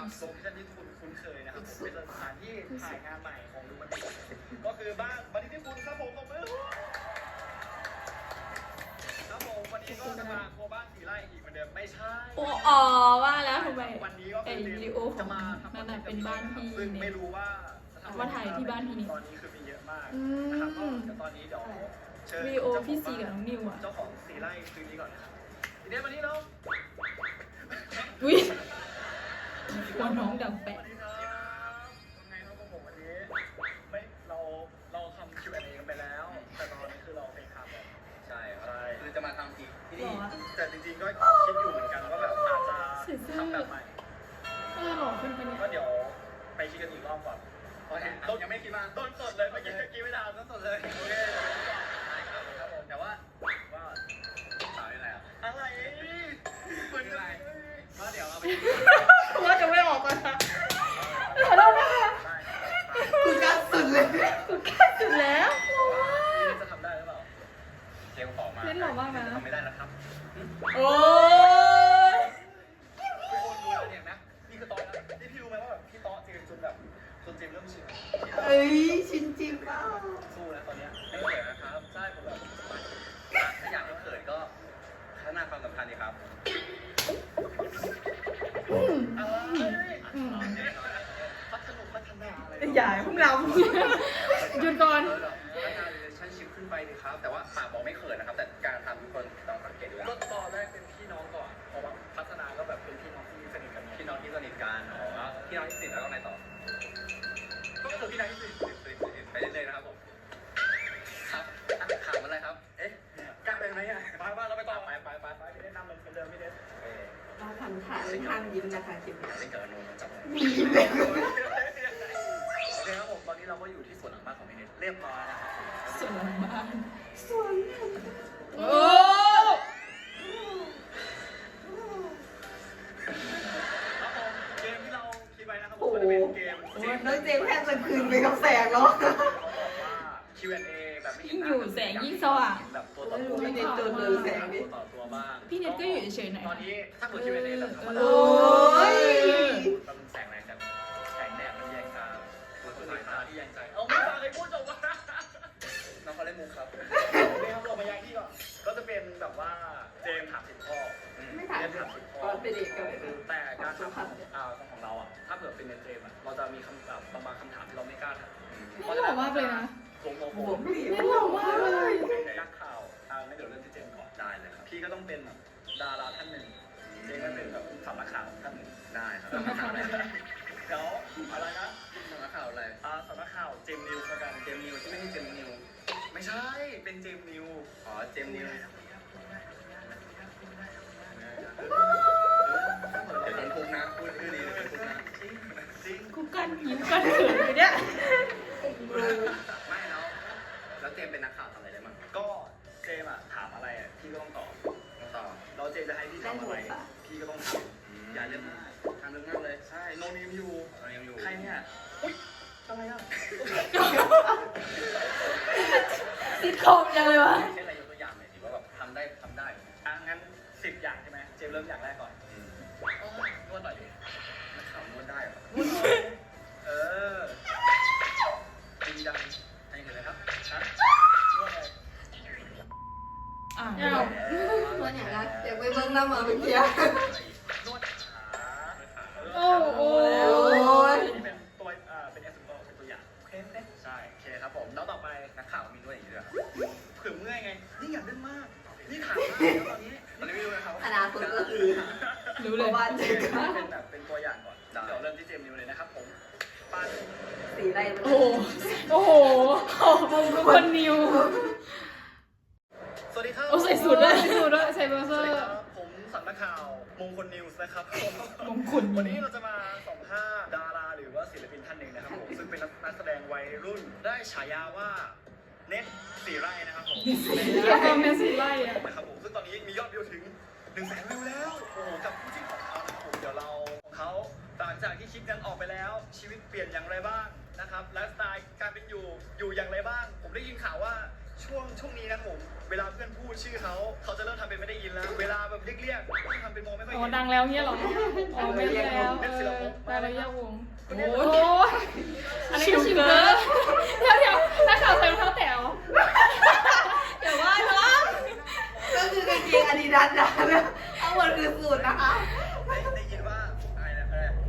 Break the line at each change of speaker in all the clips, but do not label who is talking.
โลเคชั่นที่ทุกคนคุ้นเคยนะครับผมเป็นสถานที่ถ่ายงานใหม่ของดูมันดีก็คือบ้านบันที่คุณครับผมตบมือครับผมวันนี้ก็จะมาโคบ้านสีไร่อีกเหมือนเดิมไม่ใช่
อ๋อว่าแล้วทำไม
วันนี้ก็
ไอ้
คือ
วิดีโอข
จะ
อง
มาทำ
นั่นน่ะเป็นบ้านพี่
ซึ่งไม่
เนี่ย
รู้ว่าจะทำ
ว่าถ่ายที่บ้านพี่นี่
ตอนนี้คือมีเยอะมากนะครับก็เดี๋ยวตอนนี้เดี๋ยวเชิญ
วิดีโอพี่ซีกับน้องนิวอ่ะ
เจ้าของสีไร่คืนนี้ก่อนนะครับทีนี้วันนี้เรา
อุ้ยกลัวน้องดัง
ส
แปะ
วัสดีครับยังไงครับผมวันนี้ไม่เราทำ Q&A กันไปแล้ว แต่ตอนนี้คือเราเป็นทำแบบ
ใช่ครับคือจะมาทำที่
หร
นี่
อ
แต่จริงๆก็คิดอยู่เหมือนกันว่าแบบอาจจะทำแบบใหม่
หล่อขึ้นไปเนี่ย
ก็เดี๋ยวไปคิดกันอีกรอบก่อนเพราะเห็นต้น
ยังไม่คิดว่า
ต้นสดเลยเมื่อกี้ไม่ทันต้นสดเลยโอเค
ใช่ครับผมแต่ว่า
ว่า
สาวยังไงอ่ะ
อะไรเหมือนอะไร
ก็เดี๋ยวเอาไป
ว่าจะไม่ออกก่อนนะขอโทษนะคะ
ได้
กูกล้าสุดเลยกูกล้าสุดแล้ว
นี่จะทำได้หรือเปล่า
เจลของมา
เล่นหล่อมากนะ
ทำไม่ได้นะครับ
โอ้ย
ทุกคนรู้แล้วเนี่ยนะนี่คือตอนนะนี่พี่รู้ไหมว่าแบบพี่ต๊อเจมจนแบบจนเจมเริ่มชิน
เอ้ยชินจิเปล่า
สู้นะตอนเนี้ย
ไม่เขินนะครับใช่ผมแบบถ้าอยากให้เขินก็พัฒนาความสัมพันธ์ดีครับ
พัฒนาพัฒนาอะไร
อย่าเพิ่งเรา
หยุดก่อน
พัฒนา relationship ขึ้นไปดีครับ แต่ว่าปากบอกไม่เขินนะครับ แต่การทำทุกคนต้องสังเกตดูแล้ว
ก็ตอนแรกเป็นพี่น้องก่อนเพราะว่าพัฒนาก็แบบเป็นพี่น้องที่สนิทกัน
พี่น้องที่สนิทกันพี่น้องที่สนิทแล้วก็ไงต่อ
ก็คือพี่น้องที่สนิท
ไปเรื่อยๆนะครับผม ครับถามอะไรครับ เอ๊ะ
กล้าไปไหมอ่ะไปเราไปต่อไปพี่เล่นนำเหมือนเดิมพี่เล่น
เราทำถ่ายห้ามยิ้มนะคะคลิปนี้
เล่นกับอนุมันจับ
มียิ้มเลย
โอเคครับผมตอนนี้เราก็อยู่ที่สวนหลังบ้านของพี่เน็ตเรียบร้อยนะครับ
ส่วนหลังบ้าน
สวย
โอ้
ครับผมเกมที่เราคิดไว้นะครับผมก็จะเป็นเกม
โอ้ยน้องเจมส์แค่จะคืนไปกับแสงแล้ว
ว่า Q&A แบบไม่
ยิ่งอยู่แสงยิ่งสว่าง
แบบตัวต่อตัว
ไม่ได้เจอเลยแสงดิ
ตัวต่อตัวบ้าง
พี่เน็ตก็อยู่เฉยๆหน่อย
ตอนนี้ถ้าเกิด Q&A แบบธรรมดา
โอ้ย
มันแสงแรงกันแสงแดดมันแยงตามันคือสายตาที่แยงใจเอาไม่ฟังเลยพูดจบวะ
น้องเขาเล่นมุกครับ
นี่ครับเรามาย้ายที่ก่อนก็จะเป็นแบบว่าเจมส์ถาม10 ข้อ
ไม่ถาม
เจมส์ถาม10 ข้อ
ตอนเป็นเด็กกันเลย
แต่การถามของเราอ่ะถ้าเผื่อเป็นเจมส์อ่ะเราจะมีคำถามบางคำถามที่เราไม่กล้าถาม
ไม่หล่อมากเลยนะ
โมโมโม
ผมไม่
ไม่หล่อมากเลย
นักข่าวไม่เดี๋ยวเริ่มที่เจมส์ก่อน
ได้เลยครับ
พี่ก็ต้องเป็นแบบดาราท่านหนึ่งเจมส์ก็เป็นแบบสำนักข่าวท่านหนึ่ง
ได้ครับ
เดี๋ยวอะไรนะ
สำนักข่าวอะไร
สำนักข่าวเจมส์นิวส์ละกัน
เจมนิวที่ไม่ใช่เจมนิว
ไม่ใช่เป็นเจมส์นิว
อ๋อ เจมนิวเดี๋ยวโดนทุกนะ พูดชื่อนี้เดี๋ยวโดนทุกนะ
จริง
กูกันยิ้มกันเขินอยู่เนี่ย
ไม่แล้วเจมเป็นนักข่าวทำอะไรได้บ้าง
ก็เจมส์อะถามอะไรอะพี่ก็ต้องตอบ
ต้องต่อ
เราเจมส์จะให้พี่ทำอะไรพี่ก็ต้องทำอย่าเล่นมาก
ทำเรื่องมากเลย
ใช่โนนิมอยู่
เรายังอยู่
ใครเนี่ยอุ้ยอะไรอ่ะ
ซิทคอมจังเลยวะ
เช่นอะไรยกตัวอย่างหน่อยสิว่าแบบทำได้
งั้น10 อย่างใช่ไหมเจมส์เริ่มอย่างแรกก่อน
นวดหน่อยดินักข่าวนวดได้เหรอ
เออดีดังให้เห็นเลยครับฮะนวดอะไร
อ้าว
ตัวอย่างนะเดี๋ยวไปเบิ้งหน้ามาเมื่อกี้
นวดขา
โอ้โห
นี่เป็นตัวเป็น example เป็นตัวอย่างโอเคใช่โอเคครับผมแล้วต่อไป
นักข่าวมีนวดอย่างนี้ด้วยเหรอ
เผื่อเมื่อยไงนี่อยากเล่นมากนี่ถามมากแล้วตอนนี้
ตอนนี้ไม่รู้นะครับ
อนาคตก็คือ
รู้เลย
บ้าน
โอ
เจ
เค
อกัน
เป็นแบบเป็นตัวอย่างก่อนเดี๋ยวเริ่มที่เจมส์นิวเลยนะครับผมปัน
สีไร
โอ้โห โอ้โหคนนิว
สวัสดีครับ
โอ้ใส่สูทด้วยใส่สูทด้วยใส่เบอร์เซ
ส
อ
วัสดี
ร์
ครับผมสำนักข่าวมงคลนิวส์นะครับ
มงคล
วันนี้เราจะมาสัมภาษณ์ดาราหรือว่าศิลปินท่านหนึ่งนะครับผมซึ่งเป็นนักแสดงวัยรุ่นได้ฉายาว่าเน็ตสีไร่นะครับผม
แค่ความเป็นสีไล่อะ
นะครับผมซึ่งตอนนี้มียอดวิวถึง100,000 วิวแล้วโอ้โหกับผู้จิ้นของเขานะครับผมเดี๋ยวเราของเขาหลังจากที่คลิปกันออกไปแล้วชีวิตเปลี่ยนอย่างไรบ้างนะครับไลฟ์สไตล์การเป็นอยู่อย่างไรบ้าง ผมได้ยินข่าวว่าช่ช่วงนี้นะครับผมเวลาเพื่อนพูดชื่อเขาจะเริ่มทำเป็นไม่ได้ยินแล้ว เวลาแบบเรียกต้องทำเป็นมองไม่ค่อย
อ๋อ
เห็น
ดังแล้วเงี้ยเหรออ๋อไม่แล้วได้แล้วยาวงโอ้ยอันนี้ก็ชิมเกอร์เดี๋ยวนักข่าวใส่รองเท้าแต๋วอย่าว่าเนาะ
ก็คือกางเกงอาดิดาสนะเอาหมดคือสูตรนะคะ
ได้ยินว่าอะไรนะ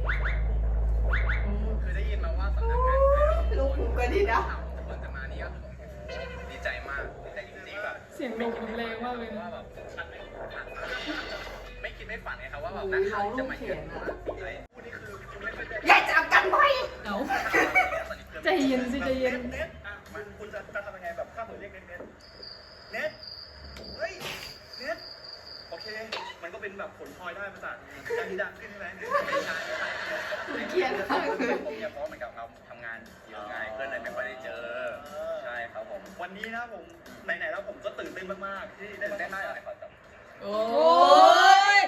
คือได้ยินมาว่าสำนักงาน
ลูกผมก็ดีนะ
คนจะมานี่ก็ดีใจมากดีใจจริงๆแบบ
เสียงลมมันแรงมากเลย
ว่าแบบฉันไม่คิดไม่ฝันไงครับว่าแบบนักข่าวจะมาเยือนอะไร
พูดนี่คือคุณไม่ค่อยได้
อย่าจับกันไว้
เอาใจเย็นสิใจเย็น
เน็ตอ่ะคุณจะทำยังไงแบบถ้าผมเรียกเน็ตเน็ตเฮ้ยเน็ตโอเค มันก็เป็นแบบผลพลอยได้มาจากการที่ดังขึ้นใช่ไหม
ไม่ใช่
เกลียดมาก
ผมเนี่ยเพราะเหมือนกับเราทำงานเยอะไงเพื่อนเลยไม่ค่อยได้เจอใช่ครับผม
วันนี้นะผมไหนๆแล้วผมก็ตื่นเต้นมากๆที่ได้
ตื่น
มา
เต้นมากเลยขอจับ
โอ้ย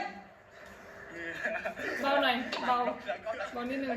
เบาหน่อยเบาเบานิดนึง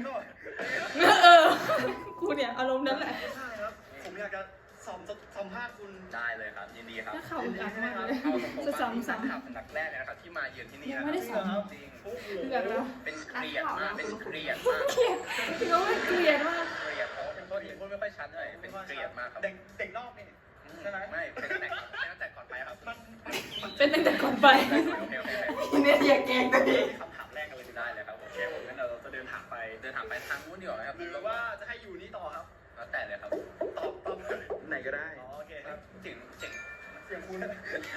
กูเนี่ยอารมณ์นั้นแหละ
ใช่ครับผมอยากจะสัมภาษณ์คุณ
ได้เลยครับยินดีครับ
ถ้าข่าวอึดอัดมากเลย
เอาตรงๆ
จะ
ว่า
ซ้ำ
นัก
ซ้ำ
ข่าวสำนักแรกเลยนะครับที่มาเยือนที่นี่
ยัง
นะ
ไม่ได้
ค
ซ้
รับจริง
โอ้โห
ำเดือดแล้ว
เป็นเกลียดมากเป็นเกลียดมาก
เกลียดพี่น้องเกลียดมาก
เกลียดเพราะเป็นคนที่พูดไม่ค่อยชัดเลยเป็นเกลียดมากครับ
เด็กนอกนี่ใช่ไหม
ไม่เป็นตั้งแต่ก่อนไปครับ
เป็นตั้งแต่ก่อนไป
โอเค
เนี่ยอย่าแกล้งตัวเอง
คำถามแรกกันเลย
ได้เลยครับผม
โอเคผมงั้นเราจะเดินถามไป
เดินถามไปทางนู้นดีกว่าไหมครับ
หรือว่าจะให้อยู่นี่ต่อครับ
แล้วแต่เลยครับ
ตอบเลยไหนก็ได้อ๋อโอเคครับ
ถึง
เสียงคุณ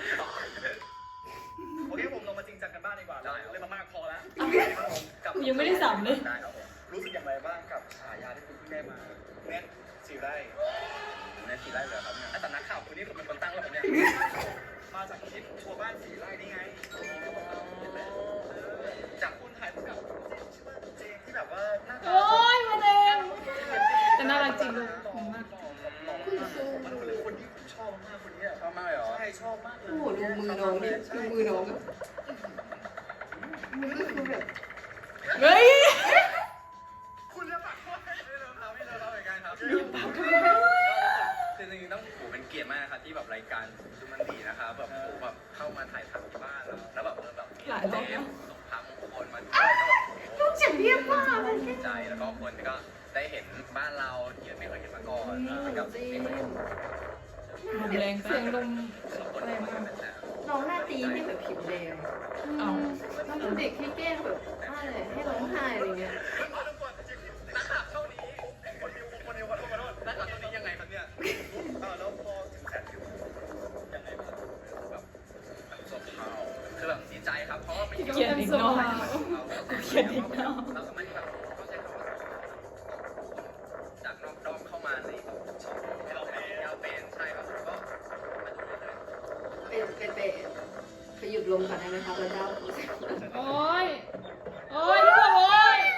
โอเคผมลงมาจริงจังกันบ้างดีกว่าเราเล่นมามากพอแล้วครับผมกับ
ยังไม่ได้สัมเลย
ได้ครับผม
รู้สึกอย่างไรบ้างกับฉายาที่คุณเพิ่งได้มาเน็ตสีไร่
ในทีแรกเลยครับเนี่ยสำนักข่าวคุณนี่เป็นคนตั้งแล้วเนี่ย
มาจากคลิปทัวร์บ้านสีไร่นี่ไงจากคุณถ่ายคู่กับชื่อว่าเจมที่แบบว่าหน้าตา
โอ้ยมาเองแต่น่ารักจริงลูก
หล่อมากมันเป็นคนที่ผมชอบมากคนนี้
ชอบมากเลยเหรอ
ใช่ชอบมากเลย
โอ้โหดูมือน้องดิดูมือน้องมือก็คือแบบ
เฮ้ย
คุณจะปักว่า
ไม่เลิกครับเหมือนกันครับคือจริงๆต้องโหเป็นเกียรติมากนะครับที่แบบรายการดูมันดีนะครับแบบโหแบบเข้ามาถ่ายทำที่บ้านแล้วแบบแบบมีเจมส่งพามงคลมาด้วย
ลูกเสียงเรียบมากเลย
ดีใจแล้วก็คนก็ได้เห็นบ้านเราที่ไม่เคยเห็นมาก่อนกับ
จริ
ที่
ง
มัน
ลมแรงเสียงลม
คนที่มาเป็นแสน
น้องหน้าตีให้แบบผิวแดง
เอา
น้องเป็นเด็กที่แกล้งแบบอะไรให้ร้องไห้อะไรเงี้ย
นักข่าวเท่านี้
คนเดียวขอโทษ
นักข่าวเท่านี้ยังไงครับเนี่ย
แล้วพอถึงแสนวิวยังไงบ้าง
แบบสบเขาคือแบบดีใจครับเพราะว่าไม่
เกลียดอีกเนาะ
เขียนอีกแล้วเราสามารถที่แบบเขาใช้คำว่าจากนอกด้อมเข้ามาในช่องให้เราเป็นใช่ครับแล้วก็มาดูเรื่อย
ไปหยุดลมก่อนได้ไหมคะแล้วเจ้า
โอ้ยโอ้ยทุกคนโอ้ย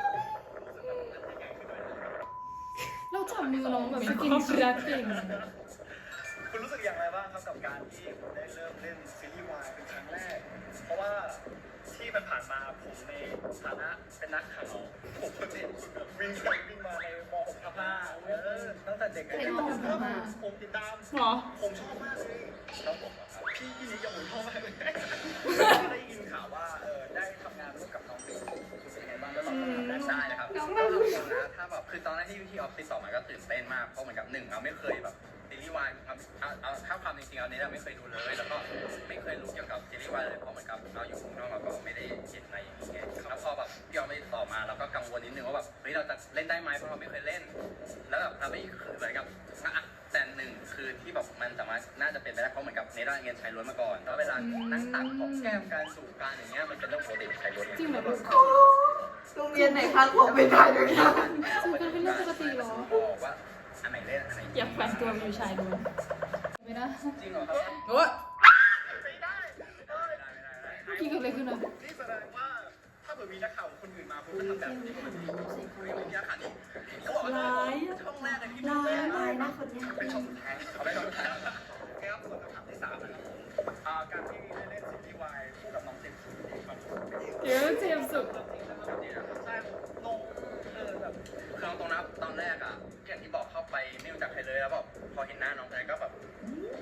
เราจับมือน้องแบบสกินชิรักเก่ง
คุณรู้สึกอย่างไรบ้างครับกับการที่ผมได้เริ่มเล่นซีรีส์วายเป็นครั้งแรก เพราะว่าที่มันผ่านมาผมในฐานะเป็นนักข่าวผมก็เห็นคุณแบบวิ่งไปวิ่งมาในม.6 ทับ5ตั้งแต่เด็กผมติดตาม
หรอ
ผมชอบมากเลยแล้วผมพี่นิกกับผมชอบมากเลยได้ยินข่าวว่าได้ทำงานร่วมกับน้องปิ๊กเป็นไงบ้างแล้วเราทำงานได้
ๆใช่นะครับก็นะถ้าแบบคือตอนแรกที่ออฟฟิศต่อมาก็ตื่นเต้นมากเพราะเหมือนกับหนึ่งเราไม่เคยแบบซีรีส์วายเอาถ้าความจริงๆเอาเนี้ยเราไม่เคยดูเลยแล้วก็ไม่เคยรู้เกี่ยวกับซีรีส์วายเลยเพราะเหมือนกับเราอยู่ข้างนอกเราก็ไม่ได้เห็นอะไรอย่างเงี้ยแล้วพอแบบพี่ออฟไม่ต่อมาเราก็กังวลนิดนึงว่าแบบเฮ้ยเราจะเล่นได้ไหมเพราะเราไม่เคยเล่น แล้วแบบเราไม่คือเหมือนกับแต่หนึ่งคือที่แบบมันสามารถน่าจะเป็นไปได้เพราะเหมือนกับในด้านเงินชายล้วนมาก่อนแล้วเวลานั่งตักของแก้มการสู่การอย่างเงี้ยมันเป็นเรื่องปกติของชายล้วน
จริงเหรอลูก
โรงเรียนไหนคะผมไปถ่ายด้วยกัน
ซึ่งกันเป็นเรื่องปกติเหรอ
บอกว่าอันไหนเล่นอันไหน
อยากแฝงตัวไปอยู่ชายด้วยไม่ได้
จริงเหรอครับ
โอ้ย
ไม่ได้
เมื่อกี้เกิดอะไรขึ้นอ่ะ
นี่แสดงว่าถ้าเกิดมีนักข่าวคนอื่นมาคุณก็ทำแบบนี้ก็มันมีอาคารนี้เขาบอกว่าช่องแรกในที่
ลายนะคนนี้
เป็นช่องสุดท้ายเขาไม่ช่องสุดท้ายครับส่วนคำถามที่3นะครับการที่ได้เล่นซีรีส์วายคู่กับน้องเจมส์ครับ
เดี๋ยวเจมส์สุด
ใช่ลงแบบ
คือตรงนะตอนแรกอ่ะอย่างที่บอกเข้าไปไม่รู้จักใครเลยแล้วแบบพอเห็นหน้าน้องชายก็แบบ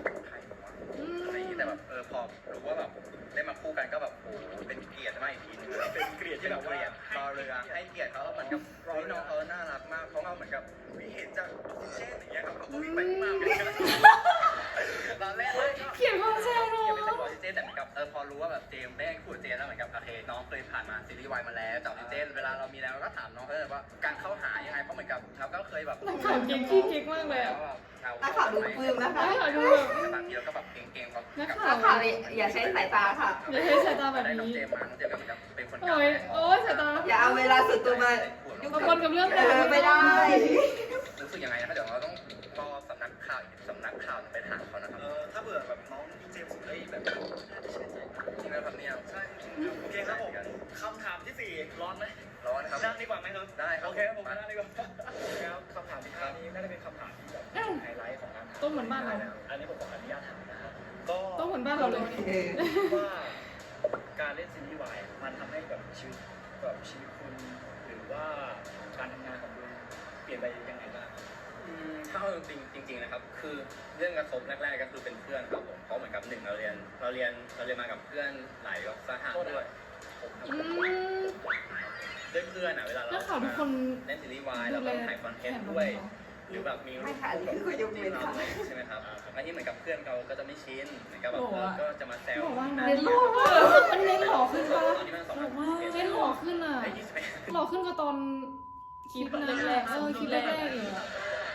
ต้นแต่เหมือนกับพอรู้ว่าแบบเจมได้คู่กับเจมแล้วเหมือนกับโอเคน้องเคยผ่านมาซีรีส์วายมาแล้วจับเต้นเวลาเรามีแล้วก็ถามน้องว่าการเข้าหายังไงเพราะเหมือนกับเราก็เคยแบบ
นักข่าวเก่งขี้เก๊กมากเลยอ่ะ
นักข่าวดูปลื้มนะคะ
นักข่าวดูแบบ
แต่บางทีเราก็แบบเก่งๆกับ
นัก
นั
ข่าว
กข่าวอย่าใช้สายตาค่ะ
อย่าใช้สายตาแบบ
ได้น้อง
นี้
เจมมาน้องเจมก็เหมือนกับเป็นคนกลาง
โอ้ยโอ้ยสายตา
อย่าเอาเวลาส่วนตัวมายุ่ง
มาปนกับเรื่อง
ไม่ได้
รู้สึกยังไงนะเดี๋ยวเราต้องรอสำนักข่าวอีกสำนักข่าวไปถามเขานะครับ
ถ้าเบื่อแบบน้องเจมส์เอ้ยแบบน่าจะใช่ใจ
จริงไหมครับเนี่ย
ใช่โอเคครับผมคำถามที่ 4 ร้อนไหม
ร้อนครับ
นั่งดีกว่าไหมครับ
ได้ครับ
โอเคครับผมนั่งดีกว่าครับคำถามที่ 5 นี้น่าจะเป็นคำถามที่แบบไฮไลท์ของการถาม
ต้มเหมือนบ้านเรา
อันนี้ผมขออนุญาตถามนะครับก็
ต้มเหมือนบ้านเราเลย
ว่าการเล่นซีรีส์วายมันทำให้แบบชีวิตคุณหรือว่าการทำงานของคุณเปลี่ยนไปยังไงบ้าง
ถ้าเอาจริงๆนะครับคือเรื่องกระทบแรกๆก็คือเป็นเพื่อนครับผมเพราะเหมือนกับหนึ่งเราเรียนมากับเพื่อนหลายสหะด้วยผม
อืม
ด้วยเพื่อนเวลาเรา
นักข่าวทุกคน
เล่นซีรีส์วายเราต้องถ่ายคอนเทนต์ด้วยหรือแบบมี
ไม่ค่ะอันนี้คือเขายกเว้นค่ะ
ใช่ไหมครับอันนี้เหมือนกับเพื่อนเราก็จะไม่ชินเหมือนกับแบบก็จะมาแซว
บอกว่าเน้นหล่อมากมันเน้นหล่อขึ้นปะ
ตอนนี้มันสอง
บอกว่าเน้นหล่อขึ้นอ่ะ หล่อขึ้นกว่าตอนคลิปแรกๆคลิปแรกๆอีกอ่ะ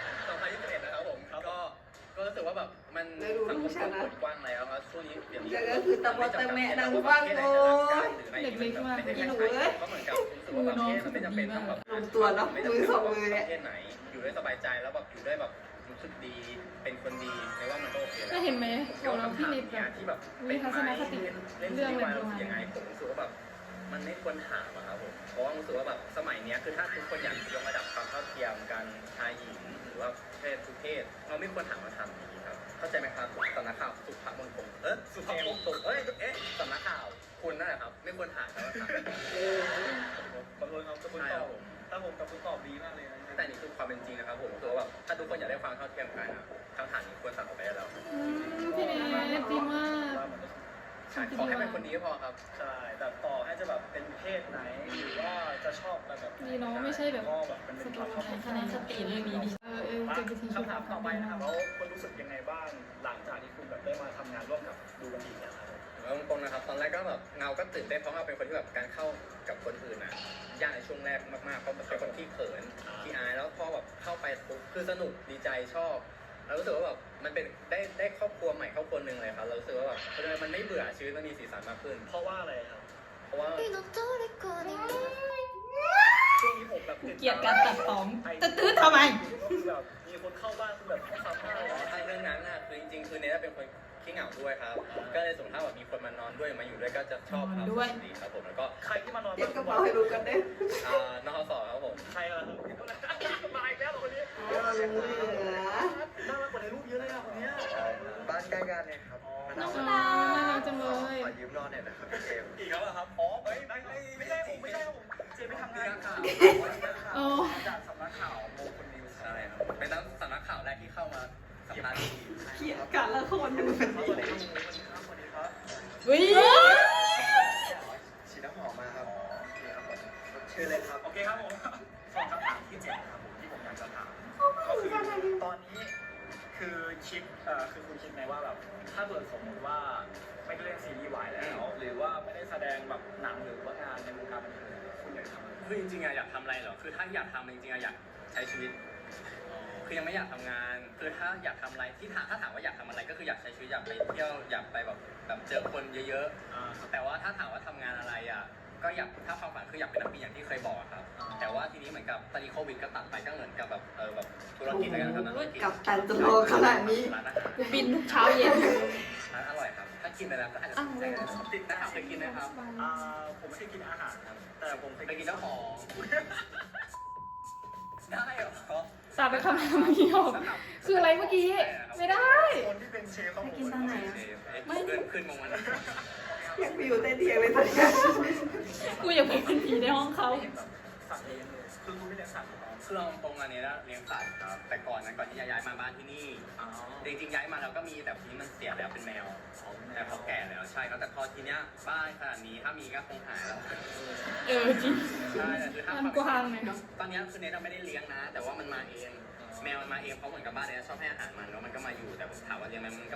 2021นะครับผมก็รู้สึกว่าแบบมันสังคมเปิดกว้างแล้วครับช่วงนี้เดี๋ยวนี้
ก็คือตะบอตะแม่ดังฟังโอ้ย
อีหนูเอ้ยก็เหมือนกับรู้สึกว่าแบบมันไม่จำเป็นต้องแบบ
ลงตัวเนาะมือสองมือเนี่ย
ประเทศไหนอยู่ด้วยสบายใจแล้วแบบอยู่ด้วยแบบรู้สึกดีเป็นคนดีในว่ามันก็โอเค
ก็เห็นไหมของเราพี่นิด
เนี่ย
แบบ
ที่แบบ
มีทัศนคติ
เล่น
เรื่อง
ซี
อะไร
รีส์วาย
ประมาณ
ยังไงผมรู้สึกว่าแบบมันไม่ควรถามอะครับผมเพราะว่ารู้สึกว่าแบบสมัยเนี้ยคือถ้าทุกคนอยากยกระดับความเท่าเทียมกันชายหญิงหรือว่าเพศทุกเพศเราไม่ควรถามมาทำอย่างนี้ครับเข้าใจไหมครับสำนักข่าวสุภาพมงคลสุภาพมงคลสำนักข่าวคุณนั่นแหละครับไม่ควรถามแล้วถาม
ขอโทษครับคุณตอบถ้าผมกับคุณตอบดีมากเลยนะ
แต่นี่คือความเป็นจริงนะครับผมคือว่าแบบถ้าทุกคนอยากได้ความเท่าเทียมกันอะคำถามนี้ควรตัดออกไปได้แล้ว
พี่เนทดีมาก
ใช่ขอแค่เป็นคนดีก็พอครับ
ใช่แต่ต่อให้จะแบบเป็นเพศไหนหรือว่าจะชอบแบบ
ดีเนาะไม่ใช่แบบ
ก็แบบมันเป็นความชอบ
คะแนนสติเรื่องนี้ดีเจอกันที
คำถามต่อไปนะครับแล้วคุณรู้สึกยังไงบ้างหลังจากที่คุณแบบได้มาทำงานร่วมกับดูบันดีแล้วครับ
เอาตรงๆนะครับตอนแรกก็แบบเงาก็ตื่นเต้นเพราะเราเป็นคนที่แบบการเข้ากับคนอื่นนะยากในช่วงแรกมากๆเพราะเป็นคนที่เขินที่อายแล้วพอแบบเข้าไปปุ๊บคือสนุกดีใจชอบแล้วรู้สึกว่าแบบมันเป็นได้ครอบครัวใหม่ครอบครัวหนึ่งเลยครับเรารู้สึกว่าแบบมันไม่เบื่อชีวิตมันมีสีสันมากขึ้น
เพราะว่าอะไรครับ
เพราะว่า
ช่วงนี้ผมแบบ
เกลียดการตัดต่อจะตื้อทำไม
แบบมีคนเข้าบ้านคือแบบข้อความมากเลย
ถ้าเรื่องนั้นน่ะคือจริงๆคือเนทเป็นคนขี้เหงาด้วยครับก็เลยสมมติถ้าแบบมีคนมานอนด้วยมาอยู่ด้วยก็จะชอบครับดีครับผมแล้วก็
ใครที่มานอน
เตรียมกระเป๋าให้รู้กันเด้
นอสอครับผม
ใครอะครับมาอีกแล้วคนนี้
ลุงเหลือ
น่ารักกว่าในรูปเยอะเลยอะคนนี้
บ้านใกล้กันเนี่ยครับ
น้องดาน่ารักจังเลย
ขอยืมนอนเนี่ยนะครับเกม
อีกแล้วเหรอครับอ๋อไม่ใช่ผมเจไม่ทำงานข่าว
โอ้
จากสำนักข่าวโมคนนิวส์
ใช่ครับเป็นนักสำนักข่าวแรกที่เข้ามาสัมภาษณ์ที
เขียนกันละคนดู
สวัสดีครับสวัสดีครับ
วิ
ฉีดน้ำหอมมาครับ
เชิญเลยครับโอเคครับผมสองคำถามที่7ครับผมที่ผมอยากจะถามก็คือตอนนี้คือคุณคิดไหมว่าแบบถ้าเกิดสมมติว่าไม่ได้เล่นซีรีส์วายแล้วหรือว่าไม่ได้แสดงแบบหนังหรือว่างานในวงการบันเทิงคุณอยากทำอะไร
คือจริงๆอยากทำอะไรเหรอคือถ้าอยากทำจริงๆอยากใช้ชีวิตคือยังไม่อยากทำงานคือถ้าอยากทำอะไรที่ถ้าถามว่าอยากทำอะไรก็คืออยากใช้ชีวิตอยากไปเที่ยวอยากไปแบบเจอคนเยอะๆแต่ว่าถ้าถามว่าทำงานอะไรอ่ะก็อยากถ้าความฝันคืออยากเป็นนักบินอย่างที่เคยบอกครับแต่ว่าทีนี้เหมือนกับตอนนี้โควิดก็ตัดไปก็เหมือนกับแบบแบบธุรกิจอะไรกันครับธุรกิจ
กับตันจะโลขนาดนี้
ร้านอาหาร
กูบินทุกเช้าเย็น
ร้านอร่อยครับถ้ากินไปแล้วก็อาจจะติดนะครับเคยกินไหมครับ
ผมไม่เคยกินอาหารครับแต่ผมเคย
ไปกินเจ้าของได้เหรอ
สาบไปคำถามเดียวคืออะไรเมื่อกี้ ไม่ได้
คนที่เป็นเชฟของผม
ไม่ขึ้นมงมัน
อยากไปอยู่ใต้เตียงเลยตอนนี้
กูอยากเป็นผีในห้องเขา
สัตว์เลี้ยงเลยคือคุณไม่เลี้ยงสัตว์หรอ
คือเราตรงอันนี้นะเลี้ยงสัตว์ครับแต่ก่อนที่จะย้ายมาบ้านที่นี่จริงๆย้ายมาเราก็มีแต่ทีนี้มันเสียแล้วเป็นแมวแต่เขาแก่แล้วใช่ครับแต่พอทีเนี้ยบ้านขนาดนี้ถ้ามีก็คงหายแล้ว
จริง
ใช่แต่คือถ้า
มันกว้างเลยเนาะ
ตอนนี้คือเนทเราไม่ได้เลี้ยงนะ แต่ว่ามันมาเองแมวมันมาเองเพราะเหมือนกับบ้านเนี้ยชอบให้อาหารมันแล้วมันก็มาอยู่แต่ผมถามว่าเลี้ยงไหมมันก็ไม่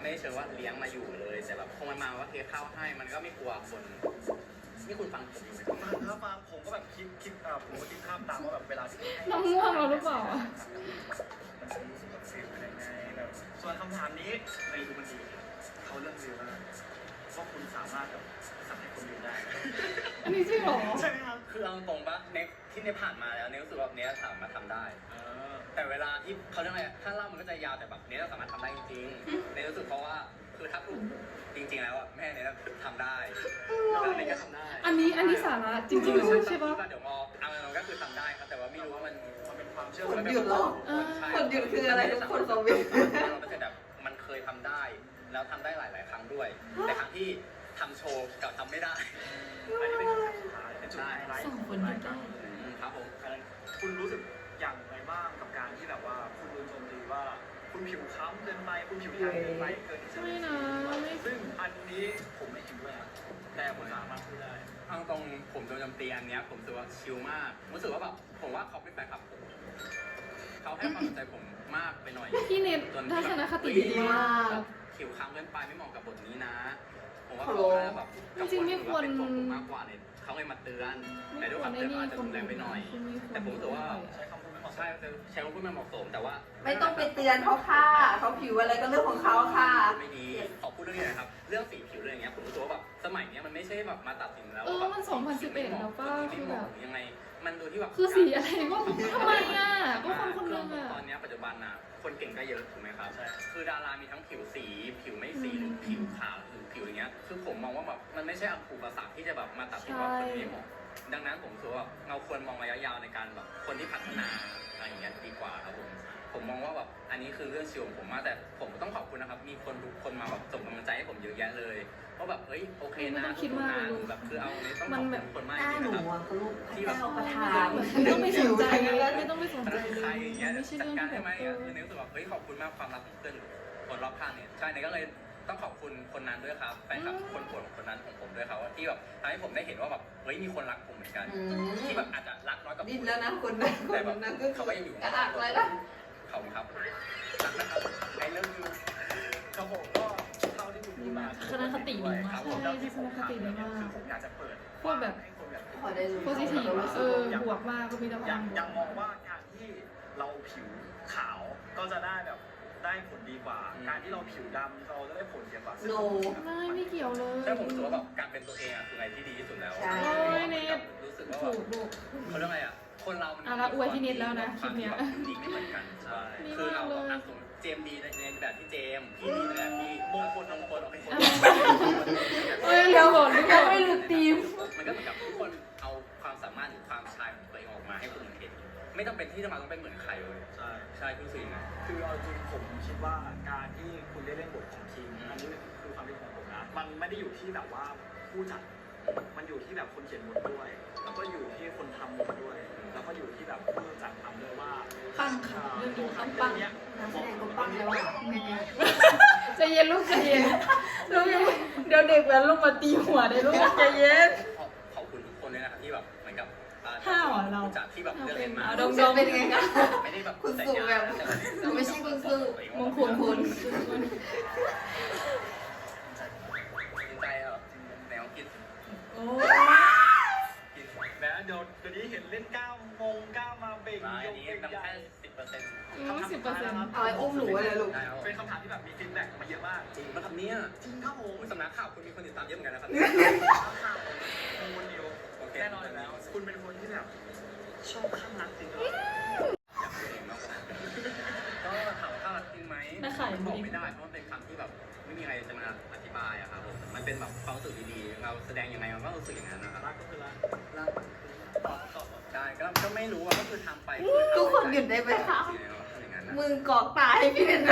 ไม่ได้เชิงว่าเลี้ยงมาอยู่เลย แต่แบบพอมันมาว่าเทข้าวให้มันก็ไม่กลัวคนนี่คุณฟังผมอยู่ไหม
ฟังครับฟังผมก็แบบคิดผมก็คิดภาพตามว่าแบบเวลาที่
น้องง่วงเราหรือเปล่าอะ
มันจะรู้สึกแบบฟิลเป็นยังไงแบบส่วนคำถามนี้ไปดูมันดีเขาเรื่องฟิลมากว่าคุณสามารถแบบสั่งให้คนอื่นได้
อันนี้จริงเหรอ
ใช่ไหมครับ
คือเอาตรงปะในที่ในผ่านมาแล้วเนี่ยรู้สึกว่าเนี้ยสามารถทำได้ แต่เวลาที่เขาเรียกอะไรถ้าเล่ามันก็จะยาวแต่แบบเนี้ยเราสามารถทำได้จริงๆในรู้สึกเพราะว่าคือถ้าพูดจริงๆแล้วอะแม่เนี่ยทำได้แล้วเนยก็ทำได้
อันนี้สาระจริงๆเลยใช่ปะ
เดี๋ยวมอมันก็คือทำได้ครับแต่ว่าไม่รู้ว่ามัน
เป็นความเชื่อ
คนหยุดเหรอ คนหยุดคืออะไรทุกคนคอมเมนต์
เราก็จะแบบมันเคยทำได้ แล้วทำได้หลายๆครั้งด้วย แต่ครั้งที่ทำโชว์กับทำไม่ได้
อันนี้เป็นคำถามสุดท้ายเป็นจุดไฮไลท์
สองคนหยุดได้
ครับผม
คุณรู้สึกอย่างไรบ้างกับการที่แบบว่าคุณโดนโจมตีว่าคุณผิวค้ำเกินไปคุณผิวแทนเกินไปเกินที่จะ
ไม่นะไม่
ซึ่งอันนี้ผมไม่เห็นด้วยนะแต่ผมสามารถพูดได้
เอาตรงผมโดนโจมตีอันเนี้ยผมรู้สึกว่าชิลมากรู้สึกว่าแบบผมว่าเขาเป็นแฟนคลับผมเขาให้ความสนใจผมมากไปหน่อย
พี่เน็ตทัศนคติดีมาก
ผิวค้ำเกินไปไม่เหมาะกับบทนี้นะ ผมว่าเขาแบบ
จริงๆไม่ควร
เป็นตัวผมมากกว่าเนี่ยเขาเลยมาเตือนแต่ด้วยความเตือนอาจจะรุนแรงไปหน่อย แต่ผมรู้สึกว่า
ใช้คำพูดไม่เหมาะสม
ใช่ใช้คำพูดไม่เหมาะสมแต่ว่า
ไม่ต้องไปเตือนเขาค่ะเขาผิวอะไรก็เรื่องของเขาค่ะ
ไม่ดีขอพูดเรื่องนี้หนะครับเรื่องสีผิวเรื่องอย่างเงี้ยผมรู้สึกว่าแบบสมัยเนี้ยมันไม่ใช่แบบมาตัดสินแล้ว
เออมัน2011แล้วป่ะคือแบบ
ยังไงมันดูที่แบบ
คือสีอะไรก็ทำไมอ่ะก็คนคนหนึงอ่ะ
ตอนเนี้ยปัจจุบันน่ะคนเก่งก็เยอะถูกไหมครับคือดารามีทั้งผิวสีผิวไม่สีหรือผิวขาวหรือผิวอย่างเงี้ยคือผมมองว่าแบบมันไม่ใช่อุปสรรคที่จะแบบมาตัดสินว่าคนนี้เหมาะดังนั้นผมรู้สึกว่าเราควรมองระยะยาวในการแบบคนที่พัฒนาอะไรอย่างเงี้ยดีกว่าครับผมมองว่าแบบอันนี้คือเรื่องชิวของผมมากแต่ผมต้องขอบคุณนะครับมีคนทุกคนมาแบบส่งกำลังใจให้ผมเยอะแยะเลยว่าแบบเฮ้ยโอเคนะแบบคือเอาเนี่ยต้องขอบคุณทุกคนมาก
หน้า
จ
ห
ริ
นู
งๆนะครับ
อะก็ลูกพระเจ้าประทาน
ไม่ต้องไปสนใจไม่ต้องไปสนใจเลย
ใครอย่างเงี้ย
ไม่ใช่
จัด
เรื่อง
การ
ที่แบ
ให้
บ
ไหมคือในรู้สึกว่าเฮ้ยขอบคุณมากความรักของเพื่อนคนรอบข้างเนี่ยใช่เนี่ยก็เลยต้องขอบคุณคนนั้นด้วยครับแฟนคลับคนโปรดของคนนั้นของผมด้วยครับที่แบบทำให้ผมได้เห็นว่าแบบเฮ้ยมีคนรักผมเหมือนกันที่แบบอาจจะรักน้อยกว่า
ดิ้นแล้วนะคนนั้นคนนั้นก็
เขาก็ยังอยู่
กระอักเลยนะ
ขอบคุณครับรักนะครับไอ้เรื่องคือ
ครับผมก็เท่าที่คุณพูดมา
ทัศนคติดีมากใช่ทัศนคติดีมาก
คือผมอยากจะเปิด
โคตรแบบ
ให้คนแบบ
พอได้รู้
โพสิทีฟบวกมากก็มีแต่ค
ยั
วาง มบว
ยัง
ก
มองว่าการที่เราผิวขาวก็จะได้แบบได้ผลดีกว่า การที่เราผิวดำเราจะได้ผลเสียกว่า
โน
ไม่เกี่ยวเลย
แต่ผมรู้สึกว่าแบบการเป็นตัวเองอ่ะคืออะไรที่ดีที่สุดแล้ว
ใช่
รู้สึกว่า
ถูกลูก
เขาเรียกอะไรอ่ะคนเรามัน
อ่ะแล้วอวยพี่นิดแล้วนะคลิปเนี้ย
ดีไม่เหมือนกันใช่
ดี
คือ
มาก
เรา
เลย
เจมดีในแบบที่เจมพี่ดีในแบบที่มงคลโอเค
เฮ้ยเร็วก่อนยังไม่หลุดทีม
มันก็เหมือนกับทุกคนเอาความสามารถหรือความชายของตัวเองออกมาให้คนอื่นเห็นไม่จำเป็นที่จะมาต้องเป็นเหมือนใครเลย
ใช่
ใช่คุณสื่อไง
คือเอาจริงผมคิดว่าการที่คุณได้เล่นบทของทีมอันนี้คือความเป็นของผมนะมันไม่ได้อยู่ที่แบบว่าผู้จัดมันอยู่ที่แบบคนเขียนบทด้วย แล้วก็อยู่ที่คนทำบทด้วย แล้วก็อยู่ที่แบบผู้จัดทำด้วยว่า
ปังค่ะเรื่อง
ตัว
นี้
ทำ
ปัง
เนี้ย
นักแสดงก็ปังแล้วอะ
ใจเย็นลูกใจเย็นลูกเดี๋ยวเด็กแล้วลูกมาตีหัวได้ลูกใจเย็น
ขอบคุณทุกคนเลยนะครับที่แบบเหมือนกับ
ห้าวเหรอเรา
จากที่แบบเลือกเล่นมา
ดม
จะเป็นไงคะ
ไม่ได้แบบ
คุณสุแบบไม่ใช่คุณสุ
มงคลคุณ
จริงใจเหรอแนวคิด
โอ้
คิด
แม้เดี๋ยวนี้เห็นเล่นก้าวมงก้าวมาเบ่ง
มาอัน
ย
นี้
ก
นำ
ใหญ่
แค่10%
10%ครับ
เอาไอ้อุ้มหนูเลยลูก
ได้ครับ
เป็นคำถามที่แบบมีฟีดแบ็กมาเยอะมาก
จริงมาทำเนี่ย
จริงครับผม
สำนักข่าวคุณมีคนติดตามเยอะเหมือนกันนะครับ
ข่าวของคนเดียว
โอเค
แน่นอนอยู่แล้ว คุณเป็นคนที่แบบชอบข้างรักจริงเหรอ
อยากเป็นเองมากกว่าก็ถามว่าข้ารักจริงไหม
ได้ขาย
มันบอกไม่ได้เพราะมันเป็นคำที่แบบไม่มีอะไรจะมาอธิบายอะครับผมมันเป็นแบบความรู้สึกดีๆเราแสดงยังไงเราก็รู้สึกอย่างนั้นนะครับ
รักก็คือรัก
รัก
ต่อ
ได้ก็ไม่รู้ว่าก็คือทำไป
ทุกคนหยุดได้ไหมคะ
อย่างนั้นนะ
มึงกอกตาให้พี่เป็นไร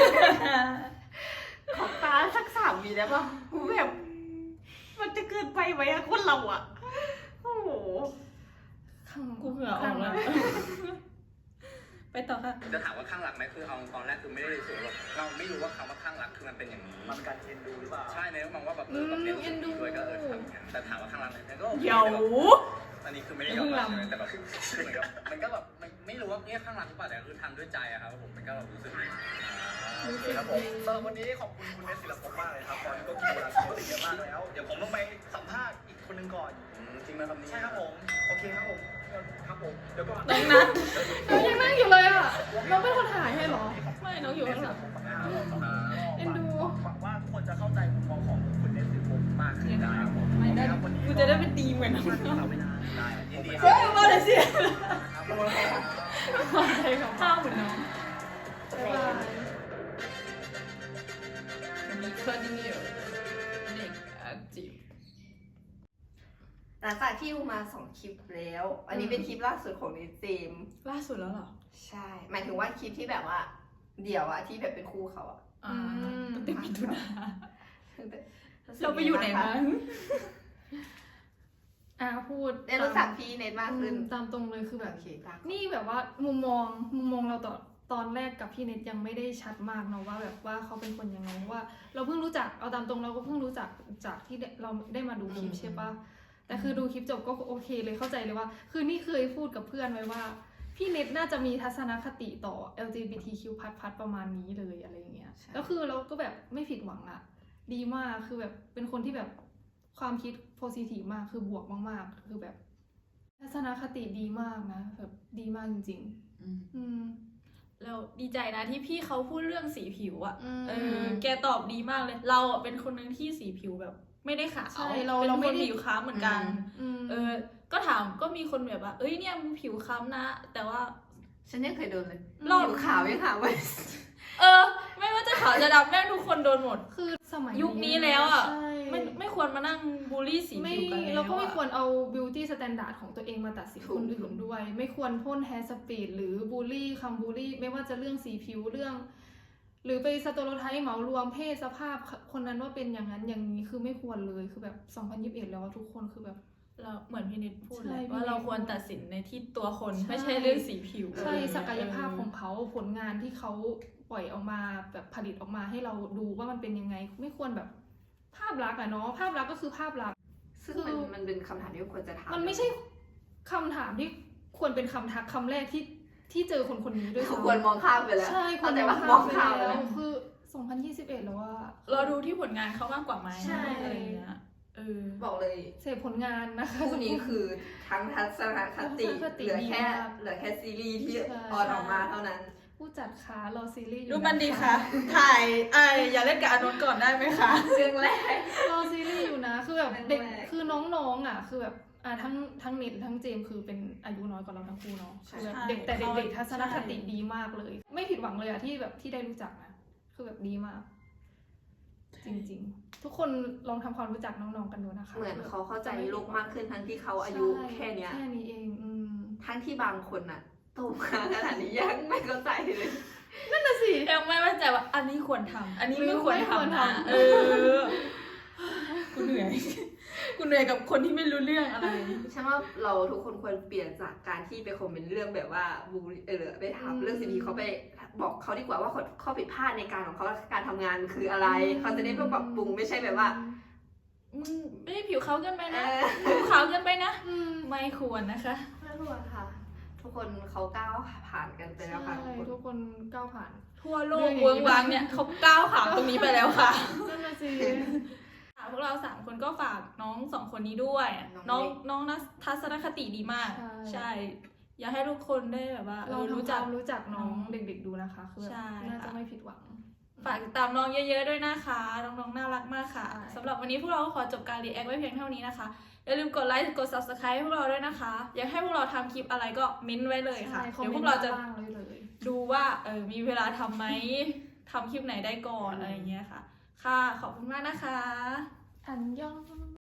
กอกตาสัก3 วิได้ป่ะกูแบบมันจะเกินไปไหมอะคนเราอะโอ้โห
กูเหงื่อออกแล้วไปต่อค่ะ
จะถามว่าข้างรักไหมคือเอาตอนแรกคือไม่ได้รู้สึกว่าเราไม่รู้ว่าคำว่าข้างรักคือมันเป็นอย่างนี้
มันการเอ็นดูหรือเปล่า
ใช่เนี่ยมองว่าแบบแบบเนี้ยรู้สึกดีด้วยก็ทำอย่างนั้นแต่ถามว่าข้างรักไหมก็โอเค
เดี๋ยว
อันนี้คือไม่ได้ยอมรับเลยแต่แบบคือเหมือนกับมันก็แบบไม่รู้ว่าเนี่ยข้างรักหรือเปล่าแต่คือทำด้วยใจอะครับผมมันก็รู้สึกดี
โอเคครับผมสำหรับวันนี้ขอบคุณคุณเนสศิลปภพมากเลยครับตอนนี้ก็กินเวลาไปเยอะมากแล้วเดี๋ยวผมต้องไปสัมภาษณ์อีกคนหนึงก่อน
จริงไหมครับนี่
ใช่ครับผมโอเคครับผมครับผมเดี๋ยวก่อน
น้องนัทน้องยังนั่งอยู่เลยอ่ะน้องเป็นคนถ่ายให้เหรอไม่น้องอยู่ข้างหลัง เอ็นดู
หวังว่าทุกคนจะเข้าใจมุมมองของคุณเนสศิลปภพมากขึ้นนะครับผม
ไม่ได้
ครับวันนี้
กูจะได้เป็นตีเหมือนน้อง
เราเวลาได้ยินดีค
เฮ้
รั
ย
บ
มาเลยสิ
ครับ
ข้าวเหมือนน้องบ๊ายบาย
มี continue เด็ก active
หลังจากที่ดูมา2คลิปแล้ว อันนี้เป็นคลิปล่าสุดของนิเจมส์
ล่าสุดแล้วเหรอ
ใช่ หมายถึงว่าคลิปที่แบบว่า เดี่ยวอะที่แบบเป็นคู่เขาอะ
อ่า
อืม
ตั้งแต่มิถุนา
สึก
เราไปอยู่ไหน
งง
มา
บ้งคะ
พูด
ได้รู้จักพี่เนทมากขึ้น
ตามตรงเลยคือแบบ
โอเคตาม
นี่แบบว่ามุมมองเราตอนแรกกับพี่เน็ตยังไม่ได้ชัดมากเนาะว่าแบบว่าเขาเป็นคนยังไงเพราะว่าเราเพิ่งรู้จักเอาตามตรงเราก็เพิ่งรู้จักจากที่เราได้มาดูคลิปใช่ปะแต่คือดูคลิปจบก็โอเคเลยเข้าใจเลยว่า คือนี่เคยพูดกับเพื่อนไว้ว่าพี่เน็ตน่าจะมีทัศนคติต่อ LGBTQ+ ประมาณนี้เลยอะไรอย่างเงี้ยแล้วคือเราก็แบบไม่ผิดหวังอะดีมากคือแบบเป็นคนที่แบบความคิดโพซิทีฟมากคือบวกมากๆคือแบบทัศนคติดีมากนะแบบดีมากจริงๆ อืม
เราดีใจนะที่พี่เขาพูดเรื่องสีผิวอ่ะ
อืม
แกตอบดีมากเลย เราอ่ะเป็นคนหนึงที่สีผิวแบบ ไม่ได้ขาว
ใช่เรา
เป็น
เรา
ค
ไม่
น
ได้
ผิวค้ำเหมือนกัน
อืม
ก็ถามก็มีคนแบบว่า เอ้ยเนี่ยมึงผิวค้ำนะ แต่ว่า
ฉันยังเคยโดนเลย
รอบ
ผิวขาวยังขาวไว้
ไม่ว่าจะขาวจะดำแม่งทุกคนโดนหมด
คือสมัย
ยุคนี้แล้วอ่ะ
ใช่
ไม่ควรมานั่งบูลลี่สี
ไม่
ผิวกันแล้ว
เราก็ไม่
อะ
ควรเอา beauty standard ของตัวเองมาตัดสิน
ถูก
คนอื่นด้วย ไม่ควรพ่น hair speed หรือบูลลี่คำบูลลี่ ไม่ว่าจะเรื่องสีผิวเรื่อง หรือไปสโตโรไทป์เหมารวมเพศสภาพคนนั้นว่าเป็นอย่างนั้นอย่างนี้คือไม่ควรเลยคือแบบ2021แล้วอะทุกคนคือแบบ
เราเหมือนพี่นิดพูด
ใช่
เลย
พี่
ว่าเรา
นิด
ควรตัดสินในที่ตัวคน
ใช่
ไม่ใช่เรื่องสีผิว
ใช่ศักยภาพของเขาผลงานที่เขาปล่อยออกมาแบบผลิตออกมาให้เราดูว่ามันเป็นยังไง ไม่ควรแบบภาพลักษณ์อะเนาะภาพลักษณ์ก็คือภาพลักษณ์
ซึ่งมันเป็นคำถามที่ควรจะถาม
มันไม่ใช่คำถามที่ควรเป็นคำทักคำแรกที่เจอคนคนนี้ด้วย
เขา
ซ้ำ
ควรมองข้ามไปแล้ว
ใช่ควร
แต่
ม
ว่า
อง
มอง
ข้า
ข้าม ม
ไป
ไป
แล้
แล้ว ว
คือ2021แล้วว่า
เราดูที่ผลงานเขามากกว่าไหม
ใช่
อะไรอย่างเงี้ย
บอกเลย
เสพผลงานนะคะ
คู่นี้คือทั้งทัศนคติ
ทัศนคติ
เหลือแค่
ดีมาก
เหลือแค่ซีรีส์ที่
ใช่
ออนออกมาเท่านั้น
ผู้จัดคะรอซีรีส์อยู่
ดูมันดีค่ะ ถ่ายอย่าเล่นกับอานนท์ก่อนได้ไหมคะ
เรื่องแรก
รอซีรีส์อยู่นะคือแบบเด็ก
แรก
คือน้องๆอ่ะคือแบบทั้งเน็ตทั้งเจมส์คือเป็นอายุน้อยกว่าเราทั้งคู่เนาะคือแบบเด็กแต่เด็กๆทัศนคติดีมากเลย ไม่ผิดหวังเลยอะที่แบบที่ได้รู้จักนะคือแบบดีมาก จริงๆ ทุกคนลองทำความรู้จักน้องๆกันดูนะคะ
เหมือนเขาเข้าใจโลกมากขึ้นทั้งที่เขาอายุ
ใช่
แค่เนี้ย
แค่นี้เอง
ทั้งที่บางคนอะโตมาขนาดนี้ยังไม่เข้าใจเลย
นั่นน่ะสิ
ยังไม่มั่นใจว่าอันนี้ควรทำอันนี้ไม่ควร
ไม่ควร
ทำนะ
ทำ
กูเหนื่อย กูเหนื่อยกับคนที่ไม่รู้เรื่องอะไร
ฉันว่าเราทุกคนควรเปลี่ยนจากการที่ไปคอมเมนต์เรื่องแบบว่าบูลลี่ไปถามเรื่องสิ่งที่เขาไปบอกเขาดีกว่าว่าข้อผิดพลาดในการของเขาการทำงานคืออะไร เขาจะได้ปรับปรุงไม่ใช่แบบว่า
มึงไม่ได้ผิวขาวเกินไป
เอ
นะ
อ
ผิวขาวเกินไปนะ
อืม
ไม่ควรนะคะ
ไม่รู้อะค่ะ ทุกคนเขาก้าวผ่านกันไปแล้วค่ะ
ใช่
ทุกคน
ทุกคนก้าวผ่าน
ทั่วโล
เรื่
ก
องนี้
เวิร์กวังเนี่ยเขาก้าวขาวตรงนี้ไปแล้วค่ะ
นั่นน่ะสิ
พวกเรา3คนก็ฝากน้อง2คนนี้ด้วย น้องทัศนคติดีมาก ใช่ อยากให้ทุกคนได้แบบว่า
เรา
รู้
รู้
จั
จั
ก
กรู้จักน้องเด็กๆดูนะคะคือแบบ
ใช่
น่า
ค่ะ
จะไม่ผิดหวัง
ฝากติดตามน้องเยอะๆด้วยนะคะ น้องๆน่ารักมากค่ะ
ใช่
สำหรับวันนี้พวกเราก็ขอจบการรีแอคไว้เพียงเท่านี้นะคะ อย่าลืมกดไลค์กด subscribe ให้พวกเราด้วยนะคะ อยากให้พวกเราทำคลิปอะไรก็มิ้นท์ไว้เลยค่ะ
ใช่
เดี๋ยวพวกเราจะ
คอมมนต์ด้นล่างเลย
ดูว่ามีเวลาทำไหมทำคลิปไหนได้ก่อนอะไรอย่างเงี้ยค่ะ ค่ะ ขอบคุณมากนะคะ
อันยอง